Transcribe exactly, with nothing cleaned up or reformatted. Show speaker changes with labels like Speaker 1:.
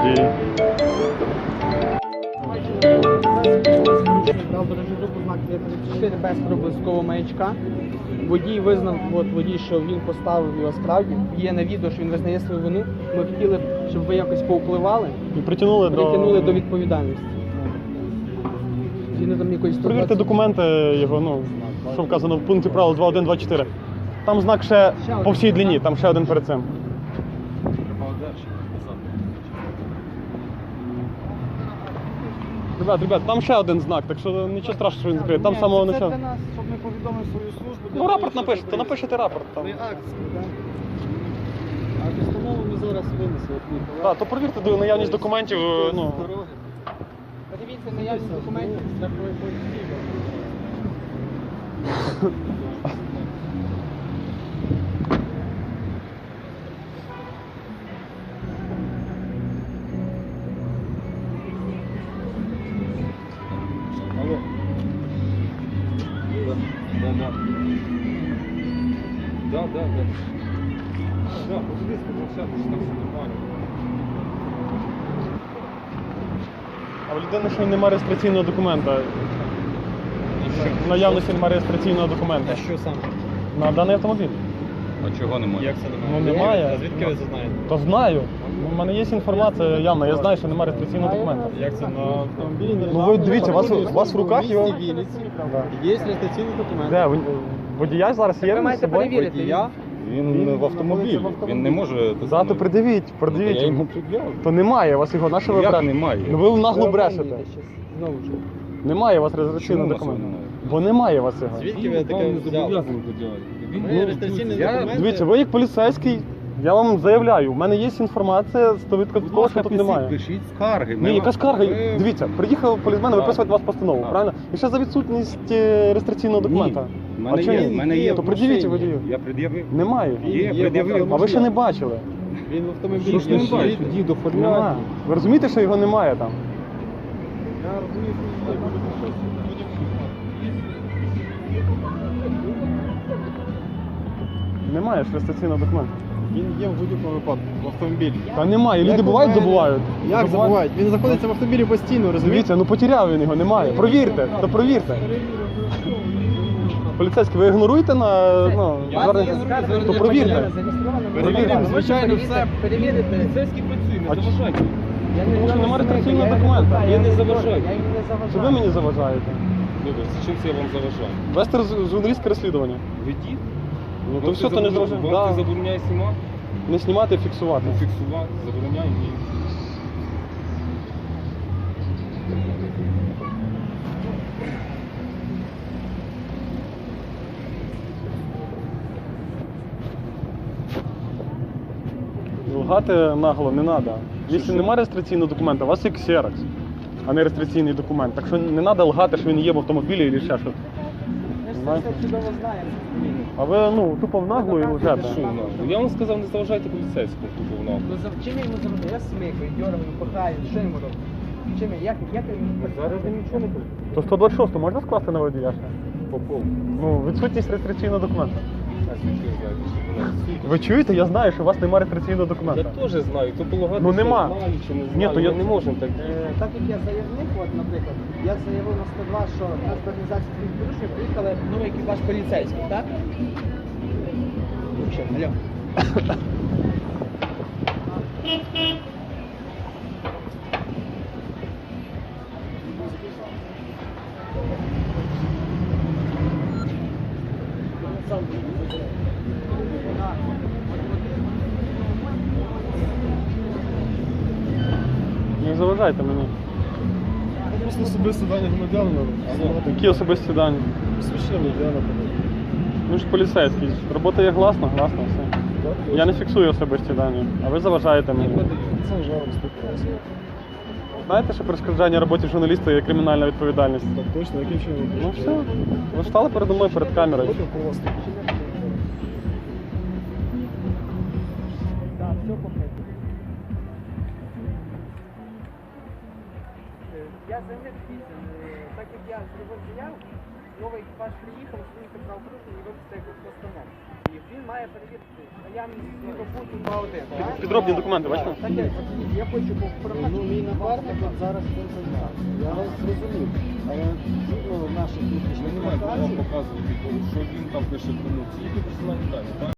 Speaker 1: водій.
Speaker 2: Дав дорожню групу знак тридцять чотири без проблискового маячка. Водій визнав, от водій, що він поставив його справді. Є на відео, що він визнає свою вину. Ми хотіли, щоб ви якось повпливали
Speaker 1: І притягнули,
Speaker 2: притягнули
Speaker 1: до...
Speaker 2: до відповідальності. Згідно там якоїсь
Speaker 1: Перевірте документи його, ну, що вказано в пункті правил два один два чотири. Там знак ще по всій длині, там ще один перед цим. Ребят, ребят, там ще один знак, так що нічого страшного, що він закриє. Там самого
Speaker 2: це
Speaker 1: начала.
Speaker 2: для нас, щоб ми повідомили свою службу.
Speaker 1: Ну рапорт напишете, то напишете рапорт там.
Speaker 2: Акцію, так? А постанову ми зараз винесли.
Speaker 1: Так, то перевірте до наявність документів, ну.
Speaker 2: Подивіться наявність документів страхової поліції.
Speaker 3: Алло. Да, да, да. Да, да, да. Да, подивись, пообщатися, там все нормально.
Speaker 1: А в людини ще й немає реєстраційного документа. В наявності немає реєстраційного документа.
Speaker 2: А що саме?
Speaker 1: На даний автомобіль.
Speaker 3: А чого немає?
Speaker 2: Як це
Speaker 1: Ну немає.
Speaker 2: А звідки ви це знаєте?
Speaker 1: То знаю. У мене є інформація явна, я знаю, що немає реєстраційного документа.
Speaker 2: Як це на автомобілі?
Speaker 1: Ну ви дивіться, у вас, у вас в руках його.
Speaker 2: Вінниці
Speaker 1: Да.
Speaker 2: є реєстраційний документ.
Speaker 1: Де? ви- Водія зараз є
Speaker 2: ви
Speaker 1: з
Speaker 2: маєте
Speaker 1: собою?
Speaker 2: перевірити.
Speaker 3: Водія? Він в автомобілі. Він не може...
Speaker 1: Зато придивіть,
Speaker 3: Я
Speaker 1: придивіть.
Speaker 3: йому пред'явив.
Speaker 1: То немає у вас його, на що ви
Speaker 3: Як
Speaker 1: брешете?
Speaker 3: немає?
Speaker 1: Ну ви нагло брешете.
Speaker 2: Знову ж.
Speaker 1: Немає у вас
Speaker 3: Чому
Speaker 1: реєстраційного
Speaker 3: у вас
Speaker 1: документа.
Speaker 3: його немає?
Speaker 1: Бо немає у вас його.
Speaker 2: Звідки ви таке взяли? Ви реєстраційний
Speaker 3: я-
Speaker 2: документ?
Speaker 1: Дивіться, ви як поліцейський, я вам заявляю, у мене є інформація стовідсотково, що тут немає.
Speaker 3: Пишіть скарги.
Speaker 1: Ні, яка скарга?
Speaker 3: Ви-
Speaker 1: Дивіться, приїхав полісмен
Speaker 3: Так.
Speaker 1: виписувати вас постанову,
Speaker 3: Так.
Speaker 1: правильно? І ще за відсутність е, реєстраційного документа.
Speaker 3: У мене
Speaker 1: А чому
Speaker 3: є,
Speaker 1: ні?
Speaker 3: в мене є
Speaker 1: То
Speaker 3: в
Speaker 1: пред'явіть
Speaker 3: машині.
Speaker 1: водію.
Speaker 3: Я пред'явив.
Speaker 1: Немає.
Speaker 3: Є,
Speaker 2: Є
Speaker 3: пред'явив.
Speaker 1: А ви ще не бачили?
Speaker 2: Він в автомобілі.
Speaker 3: Що ж не
Speaker 2: стоїть.
Speaker 3: бачите?
Speaker 2: Дід
Speaker 1: Немає.
Speaker 2: оформляє.
Speaker 1: Ви розумієте, що його немає там?
Speaker 2: Я розумію, що це буде щось.
Speaker 1: Немає ж реєстраційного документа.
Speaker 2: Він є в будь-якому випадку в автомобілі.
Speaker 1: Та немає. Люди
Speaker 2: Як
Speaker 1: бувають,
Speaker 2: у мене-
Speaker 1: забувають.
Speaker 2: Як забувають? Він знаходиться в автомобілі постійно, розумієте?
Speaker 1: Дивіться, ну потеряв він його, немає. Провірте, то провірте. Поліцейські, ви ігноруєте на ну, звернення? То провірте. Провірте.
Speaker 2: Звичайно, все.
Speaker 4: Перевірити.
Speaker 3: Поліцейські працюють,
Speaker 1: А
Speaker 3: не заважайте.
Speaker 1: Тому що немає реєстраційного документа.
Speaker 3: Я не заважаю.
Speaker 4: Я їм не
Speaker 1: Що ви
Speaker 4: заважаю.
Speaker 1: мені заважаєте?
Speaker 3: Добре, чим це я вам заважаю?
Speaker 1: Вести роз- журналістське розслідування.
Speaker 3: Ведіть.
Speaker 1: Ну то
Speaker 3: Вам
Speaker 1: все,
Speaker 3: це
Speaker 1: то не
Speaker 3: забороняє-
Speaker 1: зрозуміло.
Speaker 3: Вам це
Speaker 1: Да.
Speaker 3: забороняє знімати,
Speaker 1: Не знімати, а фіксувати.
Speaker 3: фіксувати, забороняє ні.
Speaker 1: Лгати нагло не треба. Якщо немає реєстраційного документа, у вас є ксерокс, а не реєстраційний документ. Так що не треба лгати, що він є в автомобілі або ще щось.
Speaker 4: Ми ж
Speaker 1: Знаєте?
Speaker 4: це чудово знаємо.
Speaker 1: А ви ну тупо в наглу і лжете.
Speaker 3: Що в нас? Я вам сказав, не заважайте поліцейському тупо в нас.
Speaker 4: Ну, за- чим я йому заважаю? Я смикаю, дьоргаю, пихаю, що йому роблю? Чим я? Як, як я йому
Speaker 3: Зараз я нічого не буду.
Speaker 1: То сто двадцять шість можна скласти на водія ще?
Speaker 3: По повну.
Speaker 1: Ну, відсутність реєстраційного документа.
Speaker 3: А звідки ви знаєте, що вона відсутня?
Speaker 1: Ви чуєте? Я знаю, що у вас немає реєстраційного
Speaker 3: Я
Speaker 1: документа.
Speaker 3: теж знаю, то полагати,
Speaker 1: Ну, нема.
Speaker 3: знаю чи не
Speaker 1: Ні,
Speaker 3: знаю,
Speaker 1: то я-
Speaker 3: ми не можемо так.
Speaker 4: Е, Так як я заявник, от, наприклад, я заявив на сто два, що на організацію своїх порушень приїхали новий екіпаж поліцейський, так? Ну, що, алло.
Speaker 1: Не заважайте мені.
Speaker 2: Просто особисто дані громадянина.
Speaker 1: Які особисті дані?
Speaker 2: Свідчення громадянина.
Speaker 1: Ну ж поліцейський. Робота є гласна, гласна все. Я не фіксую особисті дані, а ви заважаєте мені.
Speaker 2: Це жаром спілкувався.
Speaker 1: Знаєте, що перешкоджання роботі журналіста є кримінальна відповідальність?
Speaker 2: Так точно, яким чином?
Speaker 1: Ну все. Ви ж стали передо мною перед камерою.
Speaker 2: Потім по вас.
Speaker 4: Так, все покрито. Я заявник після, так як я зробив заяву, новий екіпаж приїхав, оцінити правопорушення і виписати якусь постанову. І він має перевірити наявність світопуту два один.
Speaker 1: Підробні документи, бачите?
Speaker 4: Так, я, от, я хочу попрохати.
Speaker 5: Ну, мій напарник от зараз цим займається. Я вас зрозумів. Але згідно наших
Speaker 3: Ви
Speaker 5: внутрішніх
Speaker 3: не маєте вам
Speaker 5: наказів,
Speaker 3: показувати, що він там пише кому. Тільки персональні дані.